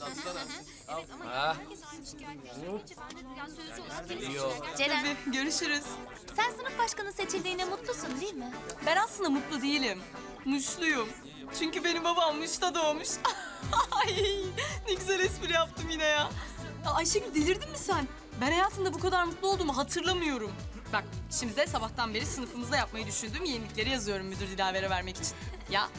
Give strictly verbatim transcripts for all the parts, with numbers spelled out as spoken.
Ceren, Tabii, görüşürüz. sen sınıf başkanı seçildiğine mutlusun değil mi? Ben aslında mutlu değilim. Muşluyum. Çünkü benim babam Muş'ta doğmuş. Ay, ne güzel espri yaptım yine ya. Ya Ayşegül, delirdin mi sen? Ben hayatımda bu kadar mutlu olduğumu hatırlamıyorum. Bak, şimdi de sabahtan beri sınıfımızda yapmayı düşündüğüm yenilikleri yazıyorum müdür Dilaver'e vermek için. Ya,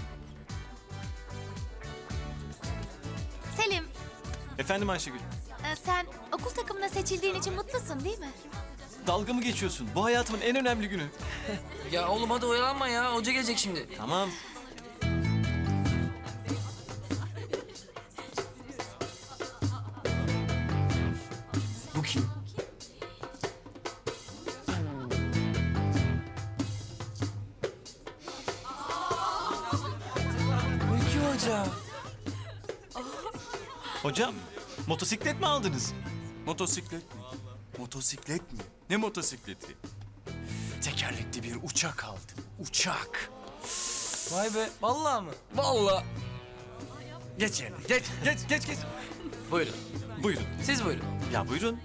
Selim, Efendim Ayşegül, e, sen okul takımına seçildiğin için mutlusun değil mi? dalga mı geçiyorsun? Bu hayatımın en önemli günü. Ya oğlum hadi oyalanma ya. Hoca gelecek şimdi. Tamam. Bu kim? Ülkü Hoca. Hocam, motosiklet mi aldınız? Motosiklet mi? Motosiklet mi? Ne motosikleti? Tekerlekli bir uçak aldım. Uçak. Vay be. Vallahi mı? Vallahi. Geç yerine. Geç, geç, geç, geç. Buyurun. Buyurun. Siz buyurun. Ya buyurun.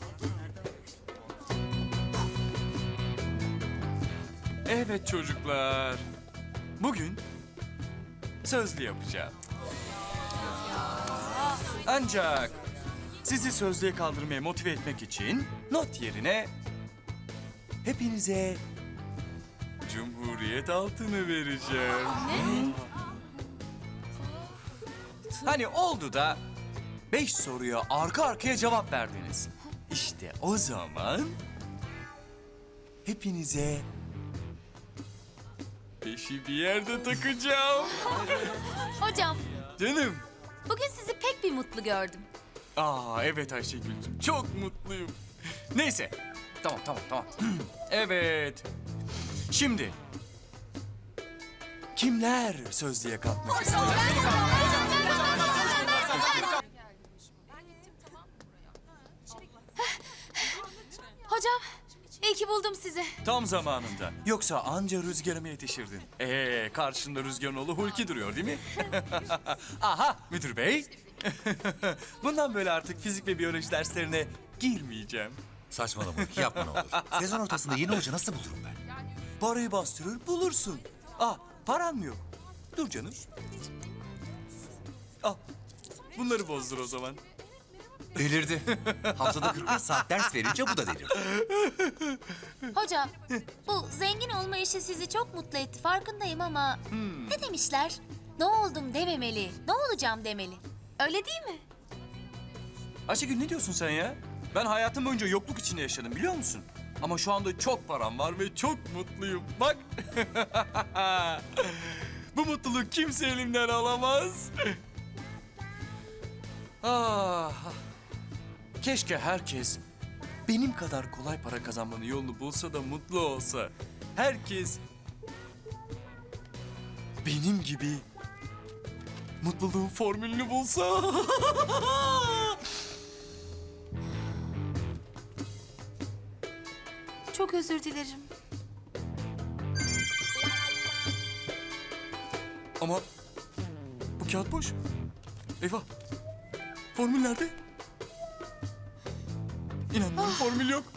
Evet çocuklar. Bugün sözlü yapacağım. Ancak sizi sözlüğe kaldırmaya motive etmek için not yerine hepinize Cumhuriyet altını vereceğim. Ne? Hani oldu da beş soruya arka arkaya cevap verdiniz. İşte o zaman hepinize beşi bir yerde takacağım. Hocam, Canım. bugün sizi pek bir mutlu gördüm. Aa evet Ayşegül'cüm, çok mutluyum. Neyse, tamam tamam tamam. Evet, şimdi kimler sözlüğe kalkmak ister? Hocam, iyi ki buldum sizi. Tam zamanında. Yoksa anca rüzgarıma yetişirdin. Ee, karşında rüzgarın oğlu Hulki duruyor değil mi? Aha, müdür bey. Bundan böyle artık fizik ve biyoloji derslerine girmeyeceğim. Saçmalama, yapma ne olur. Sezon ortasında yeni hoca nasıl bulurum ben? Parayı bastırır bulursun. Ah, paran mı yok? Dur canım. Al. Bunları bozdur o zaman. Delirdi. Haftada kırk beş saat ders verince bu da delirdi. Hocam, bu zengin olma işi sizi çok mutlu etti farkındayım ama... Ne demişler? Ne oldum dememeli, ne olacağım demeli. Öyle değil mi? Ayşegül ne diyorsun sen ya? Ben hayatım boyunca yokluk içinde yaşadım biliyor musun? Ama şu anda çok param var ve çok mutluyum. Bak. Bu mutluluk kimse elimden alamaz. ah. Keşke herkes benim kadar kolay para kazanmanın yolunu bulsa da mutlu olsa. Herkes benim gibi mutluluğun formülünü bulsa. Çok özür dilerim. Ama bu kağıt boş. Eyvah. Formül nerede? İnanmıyorum formül yok.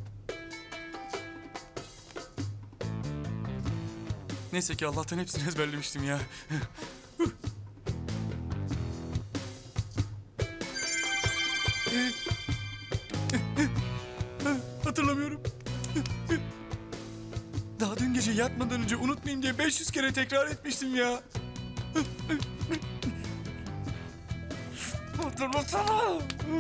Neyse ki Allah'tan hepsini ezberlemiştim ya. Hatırlamıyorum. Daha dün gece yatmadan önce unutmayayım diye beş yüz kere tekrar etmiştim ya. Hatırlasana.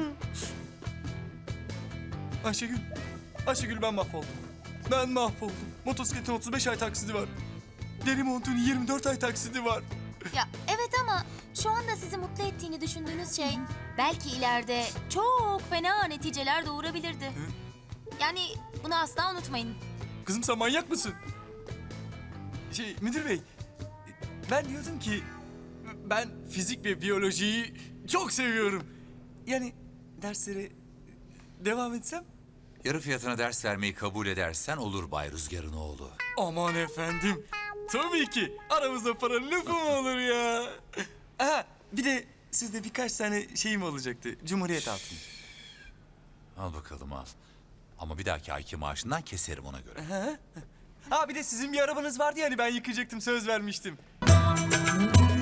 Ayşegül, Ayşegül ben mahvoldum. Ben mahvoldum. Motosikletin otuz beş ay taksidi var. Deri montun yirmi dört ay taksidi var. Ya evet ama şu anda sizi mutlu ettiğini düşündüğünüz şey... ...belki ileride çok fena neticeler doğurabilirdi. Yani bunu asla unutmayın. Kızım sen manyak mısın? Şey müdür bey, ben diyordum ki ben fizik ve biyolojiyi çok seviyorum. Yani derslere devam etsem? Yarı fiyatına ders vermeyi kabul edersen olur Bay Rüzgar'ın oğlu. Aman efendim, tabii ki aramızda para lafı mı olur ya? Aha, bir de sizde birkaç tane şeyim olacaktı. Cumhuriyet altını. Al bakalım al. Ama bir dahaki ayki maaşından keserim ona göre. Ha bir de sizin bir arabanız vardı yani ben yıkayacaktım söz vermiştim.